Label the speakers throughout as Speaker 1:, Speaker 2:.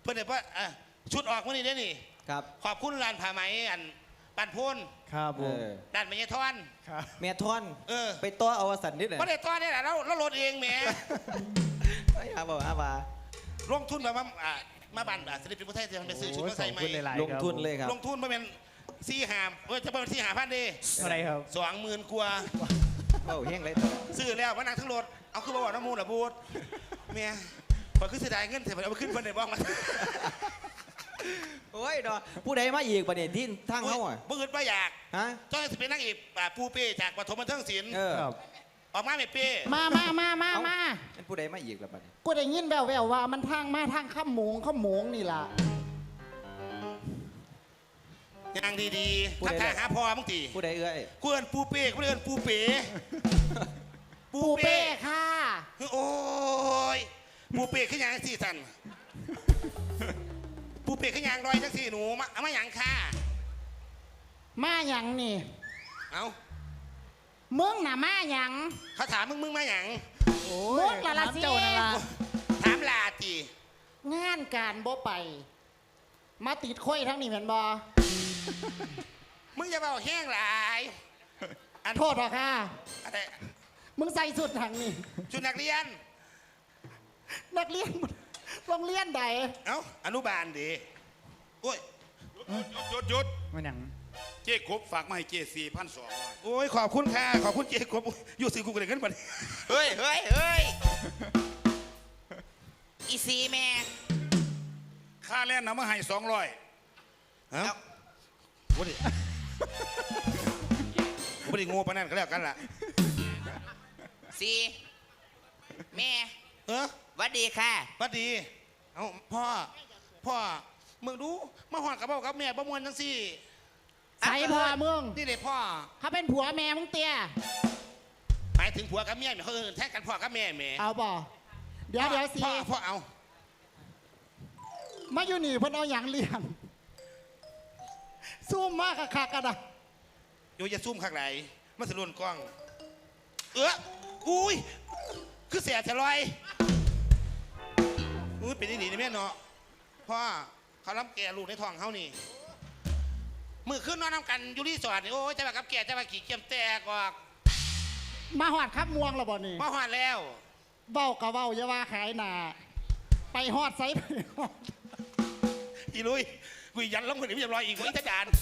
Speaker 1: เพื่อนเดี๋ยวชุดออกมื่อนี้ได้นี่
Speaker 2: ครับ
Speaker 1: ขอบคุณร้านผ้าไหมอันปันพูน
Speaker 3: ครับผม
Speaker 1: ร้านเมยทอน
Speaker 3: เม
Speaker 2: ทอนไปตัวเอาสันนิดหน่อย
Speaker 1: ไม่ได้ตัวนี่แหละเราโหลดเองแหม
Speaker 2: ไม่เอาบอกว่า
Speaker 1: ลงทุนแบบว่ามาบันศิลปินผู้ไทยจะไปซื้อชุดมาใส่ใหม่
Speaker 2: ลงทุนเลยครับ
Speaker 1: ลงทุนมาเป็นจะเป็น4,500ดี
Speaker 3: อะไรครับ
Speaker 1: 20,000กว่า
Speaker 2: โอ้เฮงเลย
Speaker 1: ซื้อแล้วว่านั่งทั้งรถเอาขึ้นมาบอกน้ำมูลหรอบูดเมียพอขึ้นเสียดายเงินเสร็จเอาไปขึ้นคนไหนบ้างมา
Speaker 2: โอ้ยดอผู้ใดมาอีกประเด็นที่ทางเขาอ่ะ
Speaker 1: บ่อึดบ่อยาก
Speaker 2: ฮะ
Speaker 1: จ้อยสิเป็นนักอีกปูเป้จากปฐมบันเทิงศิลป์ออกมาไม่เป้
Speaker 4: มา
Speaker 2: เป็นผู้ใดมาอีกแล้วบัดนี้
Speaker 4: กูได้ยินแววว่ามันทางมาทางข้ามหมงนี่ล่ะ
Speaker 1: ยังดีๆทักทายหาพ่อมึงตี
Speaker 2: ผู้ใดเอ้ย
Speaker 1: กูเอินปูเป้กูเอินปูเป้
Speaker 4: ปูเป้ค่ะ
Speaker 1: โอ้ยปูเป้ขึ้นยังสี่สันปูเป้ขึ้นยังรอยจังสี่หนูมาหยังค่ะ
Speaker 4: มาหยังนี่
Speaker 1: เอา
Speaker 4: มึงน่ะมาหยัง
Speaker 1: เขาถามมึงมาหยัง
Speaker 4: มึงละสิ
Speaker 1: ถามลาตี
Speaker 4: งานการบ่ไปมาติดค่อยทั้งนี้เหมือนบอ
Speaker 1: มึงจะเบาแห้งหลาย
Speaker 4: โทษหรอค่ะ
Speaker 1: อะไร
Speaker 4: มึงใส่สุดทางนี่
Speaker 1: ชุดนักเรียน
Speaker 4: โรงเรียนใด
Speaker 1: เอ้าอนุบาลดิโอ้ย
Speaker 3: หยุดมันหยัง
Speaker 5: เจ๊กบฝากมาให้เจ๊4,200
Speaker 1: โอ้ยขอบคุณค่ะขอบคุณเจ๊กบอยู่ซื้อกูกันเลยกันไป
Speaker 2: เฮ้ยอีซีแม่
Speaker 5: ค่าแล่นนำมาให้200
Speaker 1: ฮะวันนี้วันนี้งูปนั่นก็แล้วกันล่ะ
Speaker 2: ซีแม่
Speaker 1: วั
Speaker 2: ดดีค่ะ
Speaker 1: วัดดีเอาพ่อมึงดูมาหอดกับพ่อกับแม่ประมวลทั้งสี่
Speaker 4: ใส่พ่อมึง
Speaker 1: นี่เลยพ่อ
Speaker 4: เขาเป็นผัวแม่มึงเตี้ย
Speaker 1: หมายถึงผัวกับแม่เขาแท้กันพ่อกับแม่
Speaker 4: เอาบ่เดี๋ยวสิ
Speaker 1: พ่อเอา
Speaker 4: มาอยู่นี่เพิ่นเอาอย่างเลี้ยงซูมมากคักกันนะ
Speaker 1: อยู่จะซูมข้างไหนมันสะลุนกล้องอุ้ยคือเสียจะลอยเป็นดีๆนี่แม่เนาะพ่อเขาล้ำแก่ลูกในท้องเขานี่มือขึ้นนอนน้ำกันอยู่รีสอร์ทนี่โอ้ยจะมากับแก่จะมาขี่เกียมแตกออก
Speaker 4: มาหอดครับม่วงแล้วบ่นี่
Speaker 1: มาหอดแล้ว
Speaker 4: เบ้ากับเบ้าอย่าว่าขายหนาไปหอดไซไป
Speaker 1: อีลุยกุยยันล้มคนนี้ไม่จะลอยอีกคนอีกจาน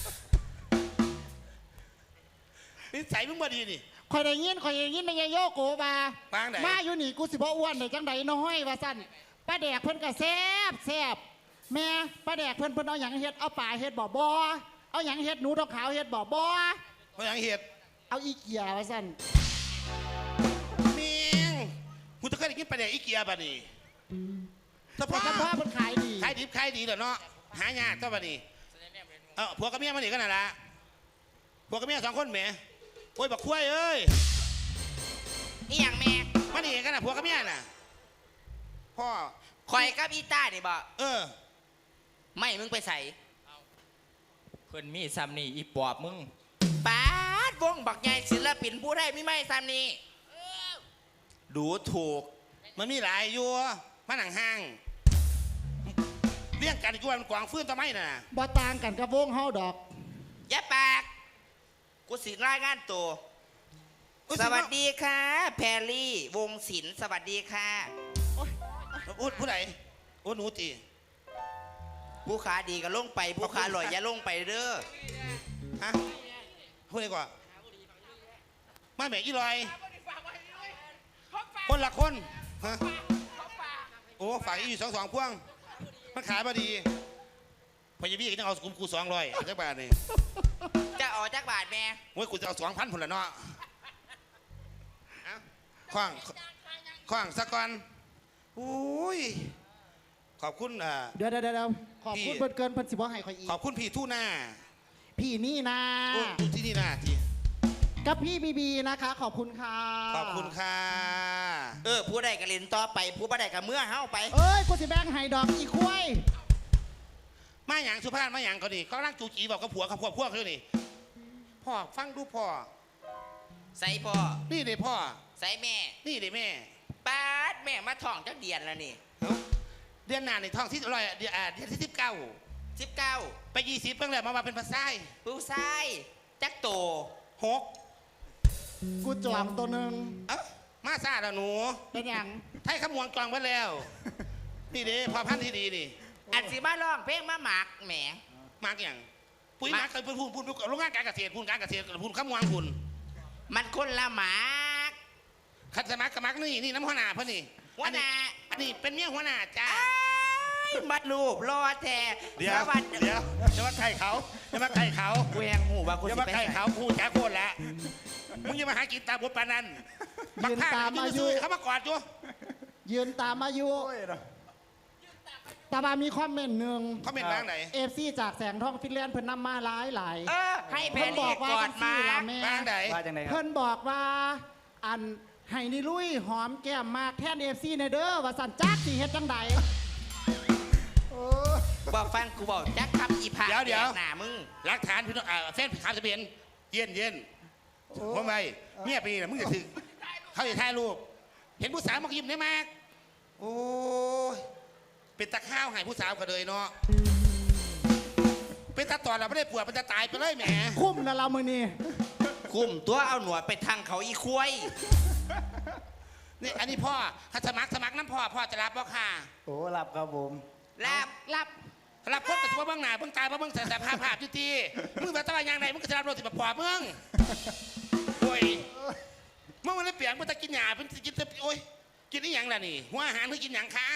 Speaker 1: นี่ใส่มึงมาดีนี่
Speaker 4: คอยได้ยินไม่ยโยโกมาอยู่นี่กูสิบ่อ้วนเลยจังใดน้อยว่าสั้นป้าแดกเพิ่นก็แซ่บแม่ป้าแดกเพิ่นเอาหยังเฮ็ดเอาป่าเฮ็ดบ่เอาหยังเฮ็ดหนูดอกขาวเฮ็ดบ่
Speaker 1: เอาหยังเฮ็ด
Speaker 4: เอาอีเกียว่าสั้น
Speaker 1: เมียงกูจะเคยได้กินป้าแดกอีเกียบ่นี่
Speaker 4: แต่พ่อเพิ่นขาย
Speaker 1: ดีเด้อเนาะหายากเจ้าบ่นี่ผัวกับเมียมาหนีกันน่ะละผัวกับเมีย2 คนแหมโอ้ยบักคุ้ยเอ้ย
Speaker 2: นี่อย่างแม่
Speaker 1: มาหนีกันน่ะผัวกับเมียน่ะพ่อ
Speaker 2: คอยกับอีต้านี่บ่
Speaker 6: ไม่มึงไปใส่เพื่อนมีซ้ำนี่อีปอบมึง
Speaker 2: ป้าวงบักใหญ่ศิลปินผู้ได้ไม่ซ้ำนี่
Speaker 1: ดูถูกมันมีหลายอยู่มาหนังห้างเลี้ยงกันกวนกวางฟื้นทำไมน่ะ
Speaker 4: บ่ต่างกันกับวงเฮาดอก
Speaker 2: อย่าปากกูสิรายงานตัวสวัสดีค่ะแพรลี่วงศิลป์สวัสดีค่ะ
Speaker 1: ผู้ใดหนูตี
Speaker 2: ผู้ขาดีก็ลงไปผู้ขาลอยอย่าลงไปเด้อ
Speaker 1: ฮะพูดดีกว่ามาแม่อีลอยคนละคนฮะโอ้ฝากอีอยู่2 พวงมันขายพอดีพยาบี้ก็ต้องเอากู200จักบาทนี่
Speaker 2: จะออกจักบาทแม่
Speaker 1: โอ้ยกูจะเอา2,000 ผลละเนาะคว้างสักก่อนอุ้ยขอบคุณ
Speaker 4: เดี๋ยวขอบคุณเกินพันสิบว่าให้คอยอีก
Speaker 1: ขอบคุณพี่ทู่หน้า
Speaker 4: พี่นี่นะ
Speaker 1: ที่นี่นะที
Speaker 4: กับพี่บีนะคะขอบคุณค่ะ
Speaker 1: ขอบคุณค่ะ
Speaker 2: ผู้ใดก็เล่นต่อไปผู้บ่ได้ก็เมื่อเฮาไป
Speaker 4: กูสิแบงไห้ดอกอีคุ้ย
Speaker 1: มาหยังสุภาพมาหยังก็ดีก็ร่างจูจีบอกกับผัวกับพวกเขานี่พ่อฟังดูพ่อ
Speaker 2: ใส่พ่อ
Speaker 1: นี่เลยพ่อ
Speaker 2: ใส่แม่
Speaker 1: นี่เลยแม่
Speaker 2: ป้าแม่มาท้องจักเดือนแล้วนี่
Speaker 1: เดือนหน้าในท้องที่ร้อยเดือนที่19 ไป20เพิ่งเลยมาเป็นภาษา
Speaker 2: ผู้ชายจักโต
Speaker 1: 6
Speaker 4: กูจองตัวหนึ่ง
Speaker 1: เอ้ามาซาแล้วหนู
Speaker 4: เป็นอย่าง
Speaker 1: ไทยขมวงจองไว้แล้ว นี่เด้พอพันธุ์ที่ดีนี่
Speaker 2: อันสิมาร้องเพลงมาหมักแหม
Speaker 1: มากอย่างปุ๋ยหมักเคยพูดโรงงานการเกษตรพูดการเกษตรพูดขมวงพูด
Speaker 2: มันคนละหมัก
Speaker 1: ขัดสมัครกับมักนี่น้ำหัวหน้าเพ่อนี่
Speaker 2: หัวหน้า
Speaker 1: อันนี้เป็นเมียหัวหน้าจ้า
Speaker 2: มาลูบรอแท้
Speaker 5: เดี๋ยว
Speaker 2: สวัสดี
Speaker 5: เดี๋ยวจะมาไข่เขาจะมาไข่เขา
Speaker 2: แหวงหูว่ากู
Speaker 5: จะ
Speaker 2: สิ
Speaker 5: มา
Speaker 2: ไป
Speaker 5: ไข่
Speaker 2: ใส่
Speaker 5: เขาพูดจ้าโคตรแล้ว
Speaker 1: มึงอย่ามาหากินตามบทปานัน
Speaker 4: ยืนตามอายุ
Speaker 1: เขามากอดอยู่
Speaker 4: ยืนตามอายุแต่ว่ามีคอมเมนต์หนึ่ง
Speaker 1: เขาเป็นร่างไหน
Speaker 4: FC จากแสงทองฟินแลนด์เพิ่นนำมาหลาย
Speaker 2: ให้แพ
Speaker 4: เพิ่น
Speaker 2: น
Speaker 4: บ
Speaker 2: นี่
Speaker 4: อกว่าก
Speaker 2: อ
Speaker 4: จั
Speaker 2: ด
Speaker 4: ง
Speaker 2: มา
Speaker 4: ซี่ล่ะแม่
Speaker 1: ร่างไหน
Speaker 3: ว่าจังไดครับ
Speaker 4: เพิ่นบอกว่าอันให้นี่ลุยหอมแก้มมากแทน FC ในเด้อว่าสันจักสิเฮ็ดจังใด
Speaker 2: บอกฟังกูบอกจักคำอีผา
Speaker 1: เดี๋ยว
Speaker 2: หน้ามึง
Speaker 1: หลักฐานพี่น้องแฟนขาวทะเบียนเย็นผมไปเมียปีน่ะมึงจะถึงเขาจะถ่ายรูปเห็นผู้สาวมายิ้มได้มากโอ้ยเป็นตะข้าวให้ผู้สาวก็เลยเนาะเป็นตาตอนเราไม่ได้ปวดมันจะตายไปเลยแหม
Speaker 4: คุ้มนะเรามือนี้
Speaker 2: คุมตัวเอาหนวดไปทางเขาอีควาย
Speaker 1: นี่อันนี้พ่อถ้าสมัครน้ำพ่อจะรับบ่ค่ะ
Speaker 3: โอ้หลับครับผม
Speaker 2: รับ
Speaker 1: รับคนกับตัวเบื้องหน้าเบื้องตาเบื้องสารภาพจุตีมึงแบบตะวันยังไงมึงก็จะรับรถสิบปอบมึงโอ้ยเมื่อวันนี้เปลี่ยนมึงจะกินหยาเป็นกินโอ้ยกินนี่ยังล่ะนี่หัวอาหารเพื่อกินหยังคะ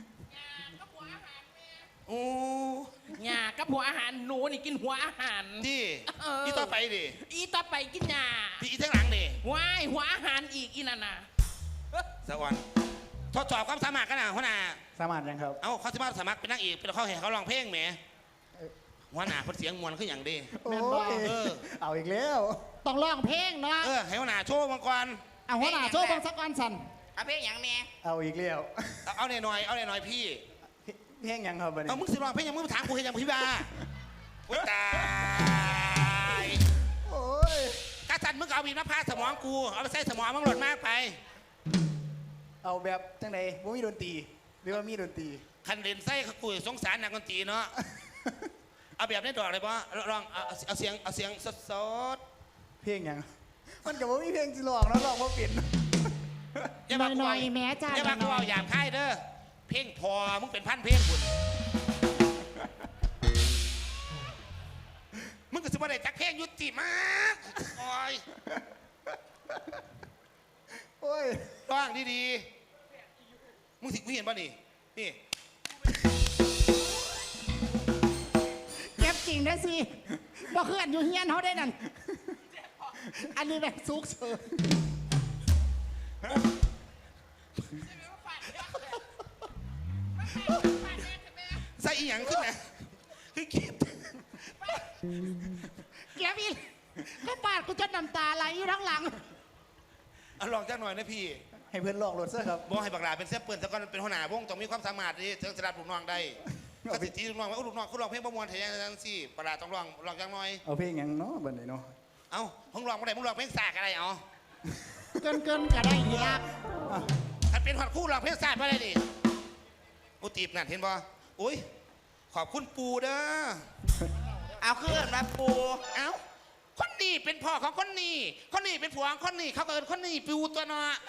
Speaker 1: โอ้
Speaker 7: หญ้ากับหัวอาหารหนูนี่กินหัวอาหาร
Speaker 1: ดี
Speaker 7: เออ
Speaker 1: นี่ต่อไปดิ
Speaker 7: อีต่อไปกินหญ้า
Speaker 1: พี่อีทั้งหลังดิ
Speaker 7: ว้ายหัวอาหารอีกอีนั่นน่ะ
Speaker 1: สวรรค์ทดสอบความสามารถกันนะหัวหน้า
Speaker 3: สามารถยังครับ
Speaker 1: เอ้าเขาสามารถเป็นนางเอกเป็นเขาเห็นเขาร้องเพลงแหมหัวหน้าเพิ่นเสียงมวลขึ้นอย่างดี
Speaker 3: โอ้ย
Speaker 1: เออ
Speaker 3: เอาอีกแล้ว
Speaker 4: ต้องร้องเพลงเนาะ
Speaker 1: ให้หัวหน้าโชว์มังกร
Speaker 4: เอาหัวหน้าโชว์เบางสักวันสัน
Speaker 2: เอาเพลงอย่างแม่
Speaker 3: เอาอีกแล้ว
Speaker 1: เอาหน่อยพี่
Speaker 3: เพลงยังครับบัดนี้
Speaker 1: เอามึงสิร้องเพลงยังมึงถามกูเห็นยังพี่บ้าโอ้ยตาย
Speaker 3: โอ้ย
Speaker 1: กาสันมึงเอาบีบมาพาสมองกูเอาไปใส่สมองมึงหล่นมากไป
Speaker 3: เอาแบบจังไดบ่มีดนตรีหรือว่ามีดนตรี
Speaker 1: คันเด่นไส้เขากุยสงสารนักดนตรีเนาะเอาแบบได้ดอกเลยปะลองเอาเสียงสด
Speaker 3: เพลงยังมันก็บ่มีเพลงสิร้องแล้วร้องบ่เป็น
Speaker 1: ๆอย่ามากู
Speaker 4: หน่
Speaker 1: เอา
Speaker 4: อยๆแม่จ้า
Speaker 1: อย่ามากู
Speaker 4: หน่
Speaker 1: เอา
Speaker 4: อย
Speaker 1: หยาบค่ายเด้อเพลงพอมึงเป็นพันเพลงคุณมึงก็สิบ่ได้จักเพลงยุติมากโอ้ย
Speaker 3: โอ้ย
Speaker 1: ร้องดีๆมึงเห็นป่ะนี่นี่
Speaker 4: ๆเก็บจริงได้สิบ่เคลื่อนอยู่เฮียนเขาได้นั่นอันนี้แบบซุกเฉิน
Speaker 1: ใส่อีหยังขึ้นนะคือคิด
Speaker 4: เก็บอีกก็ปาดกูจนน้ำตาไหลอยู่ทั้งหลัง
Speaker 1: เอาลองจักหน่อยนะพี่
Speaker 3: ให้เพื่อนร้องรถซะครับ
Speaker 1: บอกให้บักหลาเป็นเสื้อเปื้อนแต่ก่อนเป็นหัวหน้าวงต้องมีความสามารถที่จะสลัดลูกน้องได้ก็สิทีลูกน้องว่าลูกน้องคุณร้องเพลงประมวลเทียงสิบักหลาต้องร้องจังหน่อย
Speaker 3: เอาเพลงยังเนาะบัดนี้เนาะ
Speaker 1: เอ้ามึงร้องบ่ได้มึงร้องเพลงสากอะไรเอา
Speaker 4: เกินก็ได้อีก
Speaker 1: ถ้าเป็นหัดคู่ร้องเพลงสากบ่ได้ดิอุตีบนั่นเห็นบ่อุ้ยขอบคุณปูเด้อ
Speaker 2: เอาเครื่องมาปู
Speaker 1: เอ้าคนนี้เป็นพ่อของคนนี้คนนี้เป็นผัวของคนนี้เขาก็เอิ้นคนนี้ปูตัวเนาะ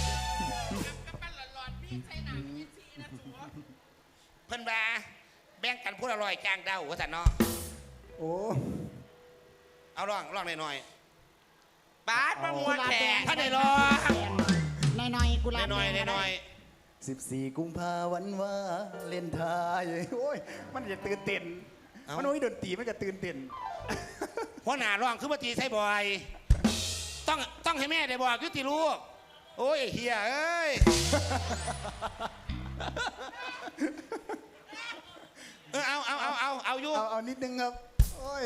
Speaker 1: เพิ่นว่าแบ่งกันพูดอร่อยจางเดาว่าแต่เนาะ
Speaker 3: โอ้
Speaker 1: เอาร้องหน่อย
Speaker 2: บาสประมวลแขก
Speaker 1: ถ้าได้ร้อง
Speaker 4: หน่อยๆกูลา
Speaker 1: หน่อย
Speaker 3: 14 กุมภาวันว่าเล่นทายโอ้ยมันจะตื่นเต้นมันบ่มีดนตรีมันก็ตื่นเต้น
Speaker 1: หัวหน้าร้องคือมาตีใส่บ่อย ต้องให้แม่ได้บอกยุติลูกโอ้ยเฮียเอ้ยเอาอยู่
Speaker 3: เอานิดนึงครับ โอ้ย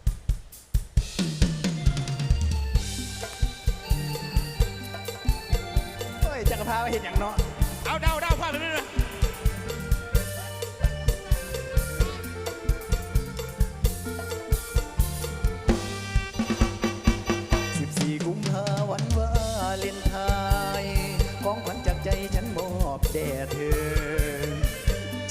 Speaker 3: โอ้ยจักรพาไปเห็นอย่างเนาะ
Speaker 1: เอาเดาพ่อไปเรื่อย
Speaker 3: 14 กุมภาวันว่าเล่นทายของขวัญจากใจฉันมอบแด่เธอ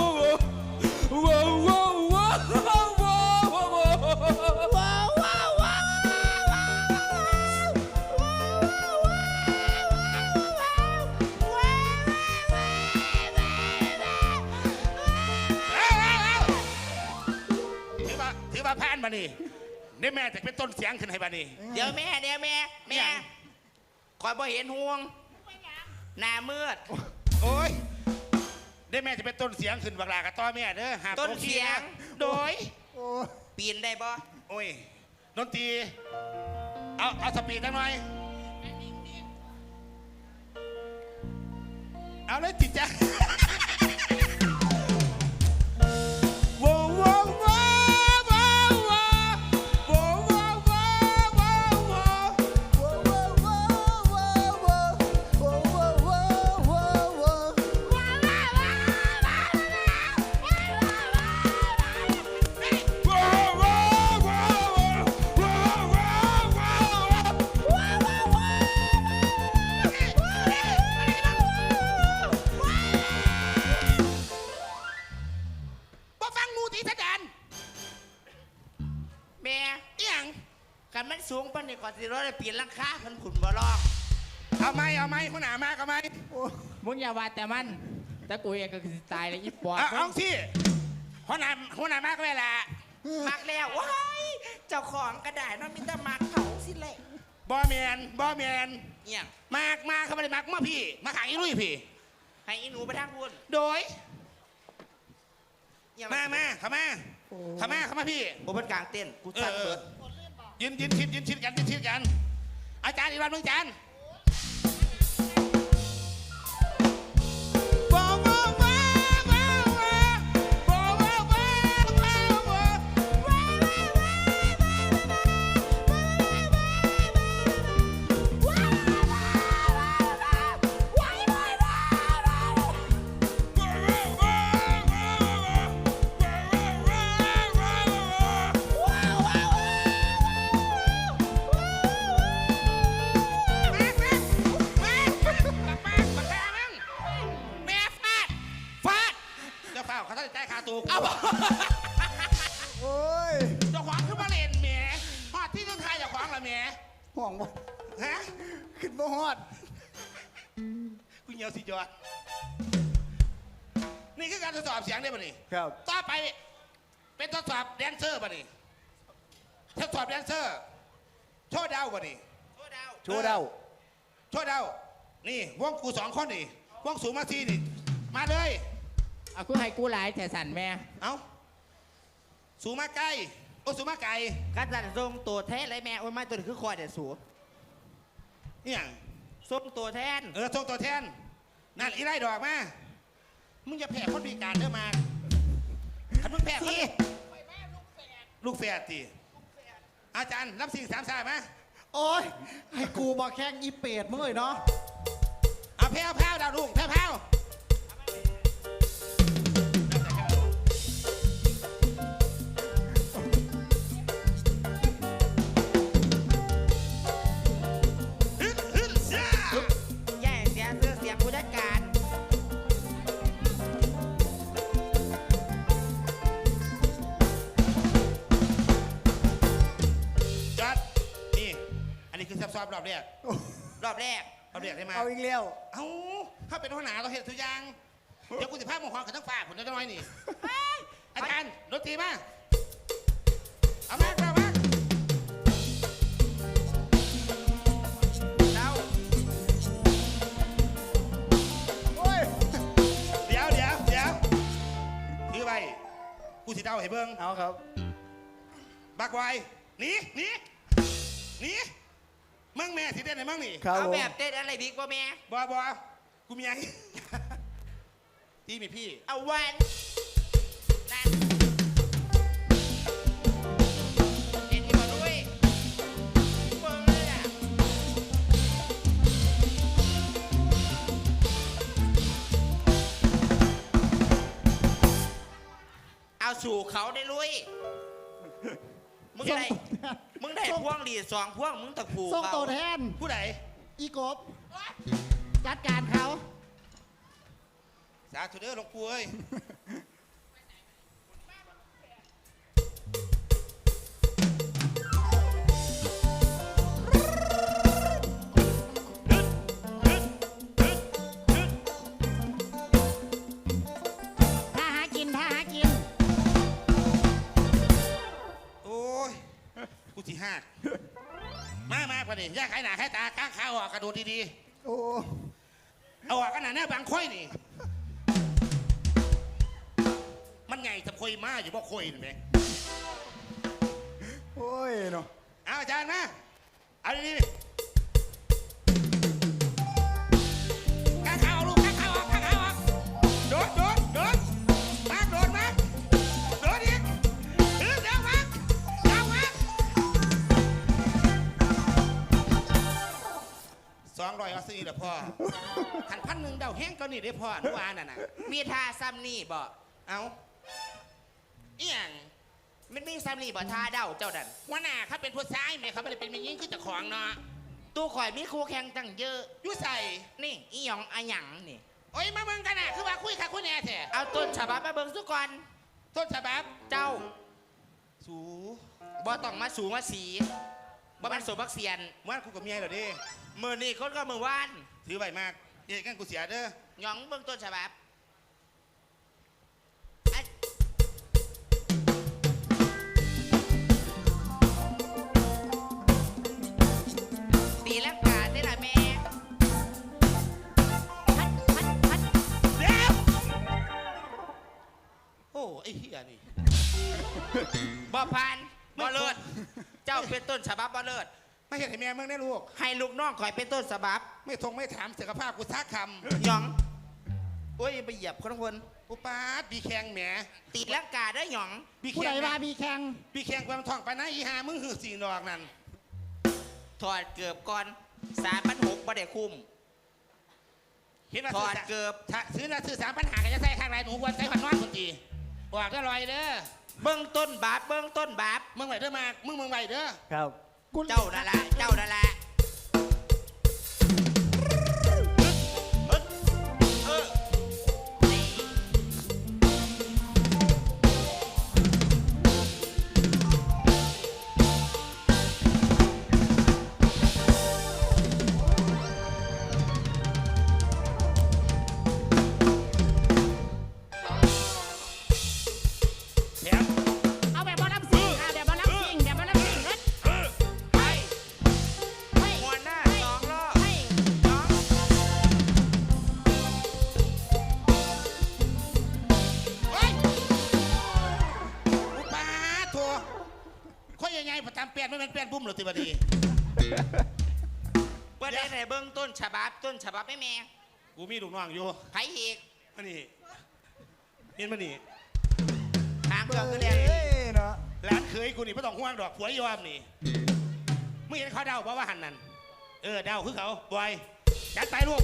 Speaker 1: ถือว่าผ่านมานี่นี่แม่จะเป็นต้นเสียงขึ้นให้บานี่
Speaker 2: เดี๋ยวแม่คอยบ่เห็นห่วงหน้ามืด
Speaker 1: โอ้ยได้แม่จะเป็นต้นเสียงขึ้นบักลากระต้อแม่เด้อหา
Speaker 2: ต้นเสียง
Speaker 1: โดย
Speaker 2: ปีนได้บ่
Speaker 1: โอ้ยดนตรีเอาสปีดหน่อยเอาเลยจิตจ้ะว้าวว้าวว้าวว้าวว้าวว้าวว้าวว้าวว้าว บ่ฟังงูตีสะดาน
Speaker 2: แม่
Speaker 1: เอียง
Speaker 2: กันมันสูงปานนี้ก่อนสิรถได้ปีนหลังคาเพิ่นขุนบ่ลอก
Speaker 1: เอาไหมหัวหน้ามากเอาไหม
Speaker 6: มึงอย่าว่าแต่มันแต่กูเองก็คือตายเลยอีปอบ
Speaker 1: เอาสิหัวหน้ามากก็ได้ละ
Speaker 2: มักแล้วว้ายเจ้าของกระดาษมันมีแต่มักเขาสิแหละ
Speaker 1: บอแมน
Speaker 2: เนี่ย
Speaker 1: มากเขาไม่ได้มากมาพี่มาขายอีลุยพี่
Speaker 2: ให้อีหนูไปทางพูน
Speaker 1: โดย
Speaker 2: เนี่ย
Speaker 1: มาเข้ามาพี่
Speaker 2: โอ้เป็นกลางเต้นกูสั่งเบิด
Speaker 1: ยืนชิดกัน อาจารย์อีกวันมึงอาจารย์เขาต้องจ่ายค่าตัวกู
Speaker 3: โอ้ย
Speaker 1: เจ้าของขึ้นมาเล่นแหมฮอดที่ต้องทายเจ้าของละแหม
Speaker 3: ห่วงบ่
Speaker 1: ฮะ
Speaker 3: ขึ้นบ่ฮอด
Speaker 1: กูเหี่ยวสิจอดนี่คือการทดสอบเสียงได้ป่ะนี่
Speaker 3: ครับ
Speaker 1: ต่อไปเป็นทดสอบแดนเซอร์ป่ะนี่ทดสอบแดนเซอร์โชว์ดาวป่ะนี่
Speaker 2: โอ้ดาว
Speaker 3: โชว์เดา
Speaker 1: โชว์ดาวนี่วงกู2 คนนี่วงสูงมาทีนี่มาเลย
Speaker 6: เอากูให้กูหลายแต่สั่นแม่
Speaker 1: เอาสูงมาใกล้โอ้สูงมาไกล
Speaker 2: การสั่นทรงตัวแทนไรแม่โอ้ยไม่ตัวนี้คือคอยเด็ดสู
Speaker 1: นี่อย่าง
Speaker 2: ทรงตัวแทน
Speaker 1: ส่งตัวแทนนั่นอีไรดอกมามึงอย่าแพ้คนพิการเด้อมาถ้ามึงแพ้คนลูกแฝดตีอาจารย์รับสิ่ง3 สายไหม
Speaker 4: โอ้ยให้กูบอกแข่งอีเป็ดมึงเลยเนาะ
Speaker 1: เอาแพ้วดาวรุ่งแพ้ว
Speaker 2: แย่เสียเสื้อเสียผู้จัดการ
Speaker 1: จอดนี่อันนี้คือซับซ้อมรอบแรก
Speaker 2: รอบแรก
Speaker 1: ได้มา
Speaker 3: เอาอีกแล้ว
Speaker 1: เอ้าถ้าเป็นหัวหน้าเราเห็นทุกอย่างเดี๋ยวกูจะพามึงความกันทั้งฝ่าผมจะน้อยนี่อาจารย์ดนตรีมาเอามา
Speaker 2: เดา
Speaker 3: โอ้ย
Speaker 1: เดี๋ยวถือไปกูสิเดาให้เบิ้ง
Speaker 3: เอาครับ
Speaker 1: บักไวหนีมึงแม่สิเต้นไหนมึงนี่
Speaker 3: ครับ
Speaker 2: เอา
Speaker 3: ผม
Speaker 2: แบบเต้นอะไรบิ๊กบ่แม่
Speaker 1: บกูมีไงที่มีพี่
Speaker 2: เอาวันนั่นเห็นที่บ่ด้วยเบิ่งเลยอ่ะเอาสู่เขาได้ลุยมึงได้พวงหลีด2 พวงมึงตะผู
Speaker 4: ส่ง
Speaker 2: เขา
Speaker 4: ตัวแทน
Speaker 1: ผู้ใด
Speaker 4: อีกบจัดการเขา
Speaker 1: สาธุเด้อหลวงปู่เอ้ย
Speaker 4: ถ้าหากิน
Speaker 1: โอ้ยกูสิหักมากกว่านี้อย่าขายหนาขายตาก้างขาออกกระโดดดี
Speaker 3: โอ้
Speaker 1: ๆเอาออกกันหนาแน่บางค่อยนี่มันไงจะค่อยมาอยู่บ่ค่อยเห็นไหม
Speaker 3: โอ้ยเนาะ
Speaker 1: เอาอาจารย์มาเอาดีๆก้างขาออกลูกก้างขาออกโดดมาโดดอีกเดี๋ยวมา200เอาซื้อละพ่อขัน1,000เดาแห้งก็นี่ได้พ่อนุวาน่ะ
Speaker 2: มีทาซ้ำนี่บ่
Speaker 1: เอาอีหยัง
Speaker 2: มันมีซ้ำนี่บ่ทาเด้าเจ้าดัน
Speaker 1: หัวหน้าเขาเป็นผู้ชายแม่เขาไม่ได้เป็นแม่ยิงคือเจ้าของเนาะ
Speaker 2: ตู้ข่อยมีคู่แข่งตั้งเยอะ
Speaker 1: อยู่ใส่
Speaker 2: นี่อีหยองอะหยังนี่
Speaker 1: โอ้ยมาเบิ่งกันน่ะคือว่าคุยค่ะคุยแน่แท้
Speaker 2: เอาต้นฉบับมาเบิ่งสุก่อน
Speaker 1: ต้นฉบับ
Speaker 2: เจ้า
Speaker 1: สู
Speaker 2: บ่ต้องมาสูงมาสีบ่มันสูบักเสียน
Speaker 1: ว่านกูกับเมียเหรอเด้
Speaker 2: มื้อนี้คนก็มื้อวาน
Speaker 1: ถือใบมากเอ๊ะกันกูเสียเด้อ
Speaker 2: หยองเบื้องต้นฉบับตีลังกาได้ละแม่
Speaker 1: เดี๋ยวโอ้ไอ้เหี้ยนี่
Speaker 2: บ่พันบ่เลิศเจ้าเป็นต้นฉบับบ่เลิศ
Speaker 1: ไม่เห็นให้แม่มึงได้ลูก
Speaker 2: ให้ลูกน้องคอยเป็นต้นฉบับ
Speaker 1: ไม่ทงไม่ถามเสียกภาพกูทักค
Speaker 2: หยองโอ้ยไปเหยียบคนคน
Speaker 1: ำอุปาดบีแขงแหม
Speaker 2: ตีลังกาได้หยอง
Speaker 1: บีแข
Speaker 4: ผู้ใด
Speaker 1: ง
Speaker 4: ว่ามีแข่ง
Speaker 1: บีแขงความท่องไปนะอีหามึงหือสีนอกนั่น
Speaker 2: ถอดเกือบก่อน3,600บ่ได้คุ้ม
Speaker 1: เห็นว่า
Speaker 2: ถอดเกือบ
Speaker 1: ถ้าซื้อนะซื้อ3,500ก็จะใส่ข้างไรหนูวันใส่หันนอนคนจีบอกได้ลอยเด้อ
Speaker 2: เบื้องต้นบาปเบื้องต้นบาป
Speaker 1: มึงไหวเด้อมามึงไหวเด้อ
Speaker 3: ครับ
Speaker 2: เจ้านั่นละเจ้านั่นละนี่
Speaker 1: แถม
Speaker 4: เอาแบบบอลน้ำซิงค่ะแบบบอลน้ำซิงแบบบอลน้ำซิงเฮ้ย
Speaker 2: ไป
Speaker 4: เฮ้ย
Speaker 2: หัวหน้า
Speaker 4: เฮ้ย
Speaker 2: 2 รอบ
Speaker 4: เฮ้ย
Speaker 2: น้อง
Speaker 1: เฮ้ยอุปาดโถค่อยยังไงประจำเปลี่ยนไม่เป็นเปลี่ยนบุ้มหรือติบดี
Speaker 2: ประเด็นไหนเบื้องต้นฉบับไม่แม่
Speaker 1: กูมีลูกน้องอยู่
Speaker 2: ไผอีก
Speaker 1: มานี่เห็นมานี่
Speaker 2: ทางเครื่องคือเรียน
Speaker 3: เอ้ยเนาะ
Speaker 1: ร้านเคยกูนี่ไม่ต้องห่วงดอกผัวยอมนี่มึงเห็นเขาเดาเพราะว่าหันนั่นเดาคือเขาบอยจัดไปลูก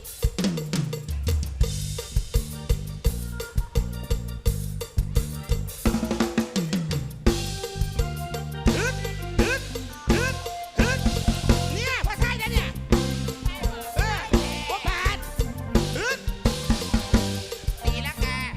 Speaker 1: ฮึดฮึดฮึดฮึดเนี่ยพอใช่แล้วเนี่ยพอผ่านฮึด
Speaker 2: ตีลังกา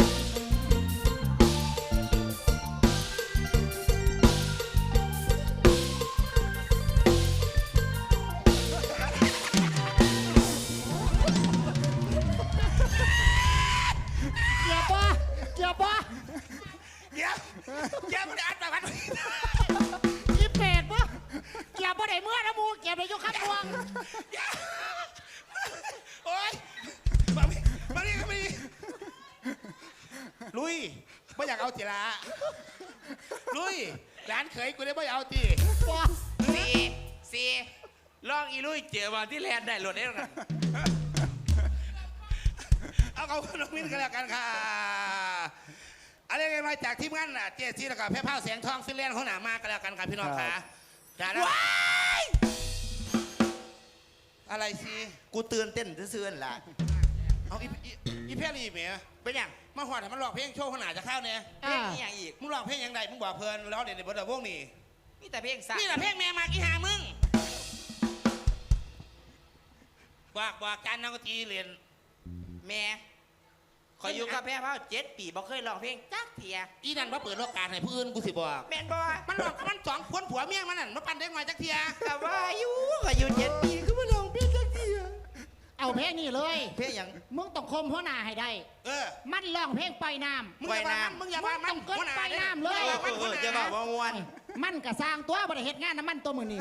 Speaker 4: เกียร์ปะเกียร์ปะ
Speaker 1: เดี๋ยวเดี๋ยวมันอัดแบบนั้น
Speaker 4: อีเป็ดปะเกียร์ปะไหนเมื่อนะมูเกียร์ไปยกขับพวง
Speaker 1: โอ๊ยมาดิลุยไม่อยากเอาจีละลุยร้านเขยกูได้ไม่เอาตี
Speaker 4: ปะ
Speaker 2: สี่ลองอีลุยเจอวันที่แลนได้หลดได้หรอกัน
Speaker 1: เอาน้องมิ้นกันแล้วกันค่ะอะไรกันมาจากทีมงานเจสซี่แล้วก็แพ้ผ้าแสงทองฟิลแลนด์เขาหนามากันแล้วกันค่ะพี่น้องค่ะจ้าแล้วอะไรสิ
Speaker 2: กูเตือนเต้นซื่อๆล่ะ
Speaker 1: เอาอีเพลี่เมีย
Speaker 2: เป็นยัง
Speaker 1: มาหอดให้มันหลอกเพลงโชว์ขนาดจะเข้าเนี่ย
Speaker 2: เพลงนี้อย่างอีก
Speaker 1: มึงหลอกเพลงยังไงมึงบอกเพลินแล้วเดี๋ยวในบทเดวงนี่
Speaker 2: มีแต่เพลงสา
Speaker 1: นี่แหละเพลงแม่มากอีหามึงบอกการนักดนตรีเรียน
Speaker 2: แม่ขอยอยู่กับแพ้เผา7 ปีบ่เคยร้องเพลงจักเทีย
Speaker 1: อีนั่นมาเปิดโอกาสให้ผู้อื่นกูสิบอก
Speaker 2: แม่นบ่
Speaker 1: มันหลอกมันสองคนผัวเมียมันนั่นมาปั่นได้ไงจักเทีย
Speaker 2: แต่ว่าอยู่ก็อยู่7 ปีคือบ่ร้องเพลงจักเทีย
Speaker 4: เอาเพลงนี่เลย
Speaker 2: เพลงหยัง
Speaker 4: มึงต้องคมหัวหน้าให้ได้ มันร้องเพลงปล่อยน้ำ
Speaker 1: มึงอย่าว่ามันมึงอย่าว่ามัน
Speaker 4: มึงต้องเกินไปน้ำเลย
Speaker 2: จะบอกว่ามวน
Speaker 4: มันก็สร้างตัวบริเหตุงานน้ำมันตัวมือนี่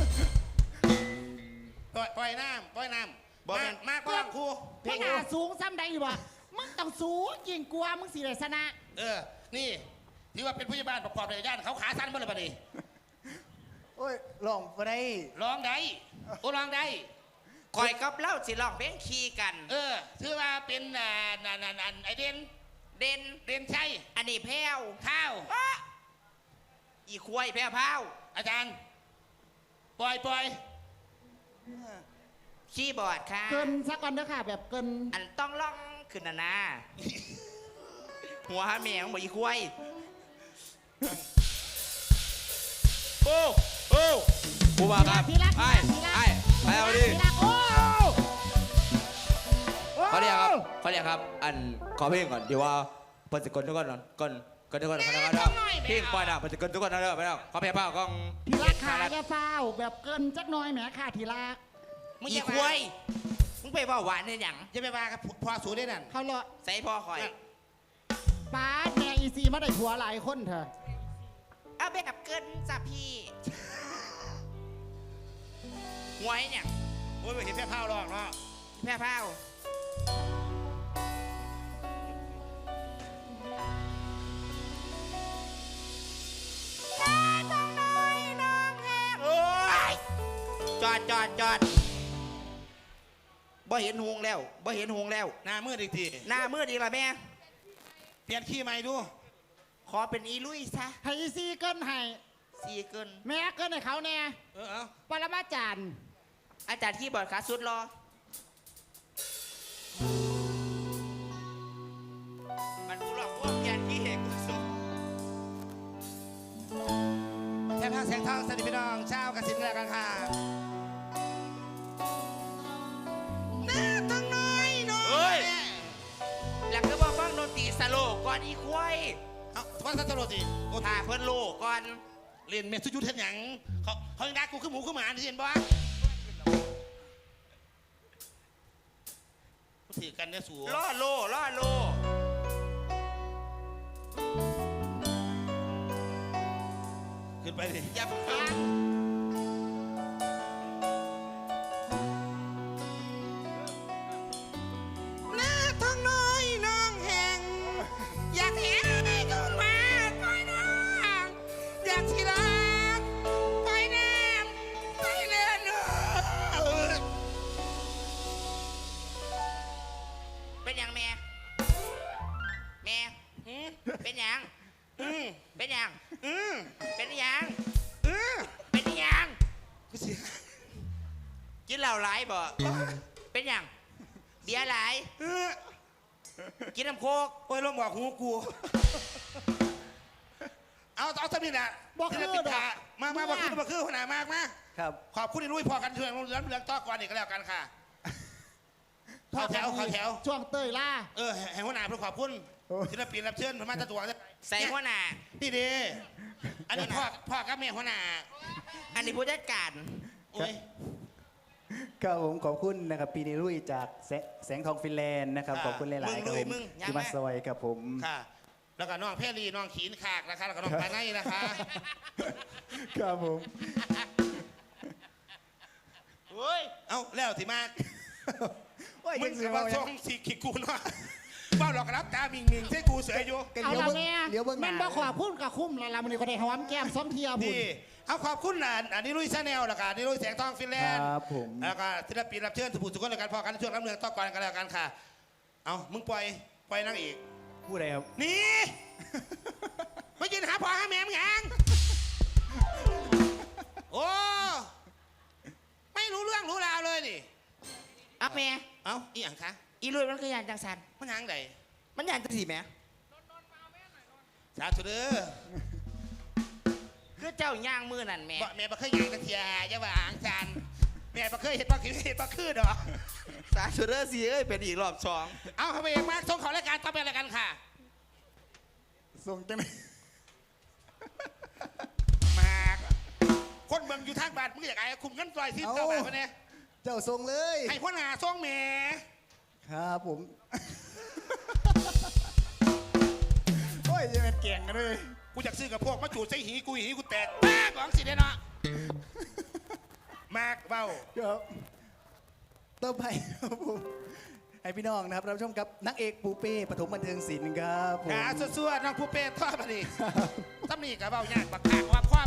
Speaker 1: ปล่อยน้ำมากกว่าครู
Speaker 4: หัวหน้าสูงซ้ำใดอยู่วะมึงต้องสูงยิ่งกลัวมึงสิได้ชนะ
Speaker 1: นี่ที่ว่าเป็นผู้ใหญ่บ้านประกอบในย่านเขาขาสั้นเมื่อไรปะนี่
Speaker 3: โอ้ยลองไปได้
Speaker 1: ร้องได้โอ้ร้องได้
Speaker 2: คอยกับเล่าสิร้องเพลงคีกัน
Speaker 1: ถือว่าเป็นไอเด่น
Speaker 2: เด่น
Speaker 1: เด่นใช่
Speaker 2: อันนี้แพ้ว
Speaker 1: ข้าว
Speaker 2: อีควายแพ้วเผา
Speaker 1: อาจารย์ปล่อย
Speaker 2: คีย์บอร์ดค่ะ
Speaker 4: เกินสักก่อนเด้อค่ะ แบบเกิน
Speaker 2: อันต้องล่องขึ้นนะหัวหาแมวบ่อีควาย
Speaker 6: โอ้กูว่าครับ
Speaker 4: ทีละ
Speaker 6: ไอ้
Speaker 4: ทีละ
Speaker 6: ไปเอาดิ
Speaker 4: ทีละโอ้
Speaker 6: เขาเรียกครับ อันขอเพลงก่อนเดี๋ยวว่าเปิดสกลทุกคนก่อนทุกคนเพลงปล่อยดาวเปิดสกลทุกคนนะเด้อไปแล้วขอเพลงเปล่ากล้อง
Speaker 4: ทีละขาจะเฝ้าแบบเกินจักหน้อยแหมค่ะทีละ
Speaker 2: อีควายมึงไปว่าหวานเนี่ยหยัง
Speaker 1: จะไปว่ากับพอสูได้นั่น
Speaker 4: เขาเลาะ
Speaker 2: ใส่พ่อคอย
Speaker 4: ป้าดแม่อีซีมาได้ผัวหลายคนเถอะ
Speaker 2: เอาแบบเกินจ้ะพี่หวยเนี่ย
Speaker 1: โอ้ยเห็นแค่ผ้าหรอกเนาะ
Speaker 2: แพ้เผาจอดบ่เห็นหงแล้วบ่เห็นหงแล้ว
Speaker 1: หน้ามืดอีกที
Speaker 2: หน้ามืดอีกละแม่
Speaker 1: เปลี่ยนขี้ใหม่ดู
Speaker 2: ขอเป็นอีลุยซะ
Speaker 4: ให้อีซีเกินให้
Speaker 2: สีเกิน
Speaker 4: แม่เกินให้เขาแน่
Speaker 1: เอา
Speaker 4: ปรมาจารย์
Speaker 2: อาจารย์ที่บอร์ดขาสุดรอ มันกูหลอกพวกแกนที่เหตุกูสุด
Speaker 1: แค่ผ้าแสงทองสวัสดีพี่น้องเช้ากสินแล้วกันค่ะหน้าต้องน้อยน้อย
Speaker 2: เฮ้ย หลักก็บอกฟังดนตรีสโลก่อนอีควาย
Speaker 1: เอาฟังสัตว์โรตีโอ้
Speaker 2: ถ่าเพิ่นโลก่อน
Speaker 1: เรียนเมสุยุทธเห็นหยังเขายังด่ากูขึ้นหมูขึ้นหมาที่เห็นบ่ถือกันเนี่ยสู
Speaker 2: ล่อโล
Speaker 1: ขึ้นไปดิ
Speaker 2: อย่าเพิ่ง
Speaker 1: หน้าท้องน้อยน้องแห่งอยากเห็นให้กูมาปล่อยน้องอยากที่รักปล่อยน้ำปล่อยเลือด
Speaker 2: เป็นหยังแม่ แม่ เป็นหยัง เป็นหยัง เป็นหยัง เป็นหยัง
Speaker 1: กูเสีย
Speaker 2: กินเหล้าหลายบ่เป็นหยังเบียร์หลาย กินน้ำโคก
Speaker 1: โอ้ยลงบอกหูกู เอาสมิธอ่ะ
Speaker 4: บอกคือ
Speaker 1: ศิลปิน
Speaker 4: ดอก
Speaker 1: ขามาบอกคือหัวหน้ามากมา
Speaker 3: ครับ
Speaker 1: ขอบคุณที่ลุยพอกันช่วยเรื่องต่อก่อนอีกก็แล้วกันค่ะขอแถว
Speaker 4: ช่วงเตยล่า
Speaker 1: ให้หัวหน้าเพื่อขอบคุณศิลปินรับเชิญมาตะตัว
Speaker 2: ใส่หัวหน้า
Speaker 1: นี่ดีอันนี้พ่อกับแม่หัวหน้า
Speaker 2: อันนี้ผู้จัดการ
Speaker 1: โอ้ย
Speaker 3: ครับผมขอบคุณนะครับปีนี้ลุยจากแสงทองฟินแลนด์นะครับขอบคุณหลายๆครับผมที่มาซอยกับผม
Speaker 1: ค่ะ แล้วก็น้องเพรีน้องขีนขากนะคะแล้วก็น้องปาไนนะคะ
Speaker 3: ครับผม
Speaker 2: เฮ้ย
Speaker 1: เอาแล้วสิมา
Speaker 3: โอ้ย
Speaker 1: มึ
Speaker 3: ยัง ง
Speaker 1: กั
Speaker 3: สิ
Speaker 1: บ
Speaker 3: ว่า
Speaker 1: ว่า
Speaker 3: ยั
Speaker 1: ส่
Speaker 3: ง
Speaker 1: งสีขีกูเนาะเบ้าหลอกรับตามิงใช่กูเสืออยู่
Speaker 3: กัน
Speaker 4: เอา
Speaker 3: เดี๋ยว
Speaker 4: ละ
Speaker 3: เบิ่ง
Speaker 4: แม่
Speaker 3: เดี๋ยวเบิ่งห
Speaker 4: แม่
Speaker 3: น้าน
Speaker 4: บ่ขอพูดกับคุ้มแล้วล่ะมันนี่ก็ได้หอมแก้มซ้อมเทียบุญ
Speaker 1: นี่เอาขอบคุณอันนี้ลุยชาแนลแล้วกันนี่ลุยแสงทองฟินแลนด์
Speaker 3: ครับผม
Speaker 1: แล้วก็ศิลปินรับเชิญสุภูสุขคนรายการพอกันในช่วงรับเมืองต่อก่อนกันแล้วกันค่ะ เอามึงปล่อยนางเอก
Speaker 3: ผู้ใดครับ
Speaker 1: นี่มายืนหาพ่อหาแม่มึงยังโอ้ไม่รู้เรื่องรู้ราวเลยนี่
Speaker 2: เอาแม่
Speaker 1: เอาอีหยังคะ
Speaker 2: อีลุยมันคืออย่างจังสัน
Speaker 1: มันหยังได
Speaker 2: มันอย่างจังสีแม่
Speaker 1: สาธุเด้อ
Speaker 2: คือเจ้าย่างมือนั่นแม่
Speaker 1: บ่แม่บ่เคยหยังตะเทียอย่าว่าอ่างจานแม่บ่เคยเห็นบ่คือดอก
Speaker 2: สาธุเด้อสิเอ้ยเป็นอีกรอบสอง
Speaker 1: เอาเข้าไปเองมากส่งเขารายการต่อไปรายการค่ะ
Speaker 3: ส่งจังไหน
Speaker 1: มากคนเมืองอยู่ทางบ้านมึงอยากไอ้คุมเงินปล่อยที่เจ้าบ้านคนนี้
Speaker 3: เจ้าส่งเลย
Speaker 1: ให้พ่อหน้าส่งแม่
Speaker 3: ครับผม โอ้ยยังเป็นเก่งกันเลย
Speaker 1: กูอยากซื้อกับพวกมาจูดใส่หีกูแตกป้าของสิเด้เนาะมากเบ้า
Speaker 3: ครับต่อไปครับผมให้พี่น้องนะครับรับชมกับนักเอกปูเป้ปฐมบันเทิงศิลป์ครับผม
Speaker 1: หาซั่วๆน้องผู้เป็ดทอดมาดิตำหนิกับเบ้ายากบักขากว่าพ่อ